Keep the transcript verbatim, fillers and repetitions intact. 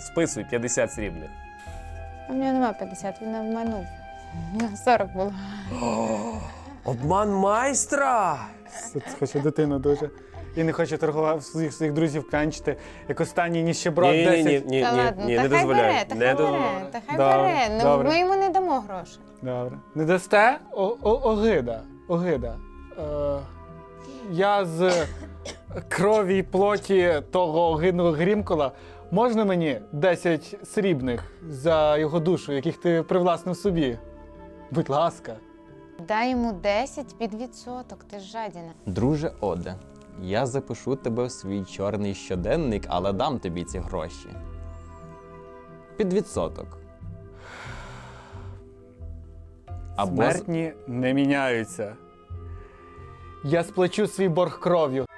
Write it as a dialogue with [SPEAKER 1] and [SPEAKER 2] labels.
[SPEAKER 1] Списуй п'ятдесят срібних.
[SPEAKER 2] У мене нема п'ятдесят, він обманув. У мене сорок було.
[SPEAKER 1] Обман майстра!
[SPEAKER 3] Хоче дитину дуже. І не хоче торгувати своїх своїх друзів клянчити, як останній ніщеброд
[SPEAKER 1] Ні, ні, ні,
[SPEAKER 3] десять.
[SPEAKER 1] ні,
[SPEAKER 2] Та
[SPEAKER 1] ні,
[SPEAKER 2] ладно,
[SPEAKER 1] ні,
[SPEAKER 2] та
[SPEAKER 1] не
[SPEAKER 2] хай
[SPEAKER 1] дозволяю.
[SPEAKER 2] бере, та
[SPEAKER 1] Не
[SPEAKER 2] хай
[SPEAKER 1] до-
[SPEAKER 2] бере, та хай
[SPEAKER 3] Добре,
[SPEAKER 2] бере. Ну,
[SPEAKER 3] добре.
[SPEAKER 2] ми йому не дамо грошей.
[SPEAKER 3] Добре. Не дасте? О, о, огида. Огида. Е, я з крові й плоті того огидного Грімкола. Можна мені десять срібних за його душу, яких ти привласнив собі? Будь ласка.
[SPEAKER 2] Дай йому десять під відсоток, ти ж жадіна.
[SPEAKER 4] Друже Оде, я запишу тебе в свій чорний щоденник, але дам тобі ці гроші. Під відсоток. Або з-
[SPEAKER 3] Смертні не міняються. Я сплачу свій борг кров'ю.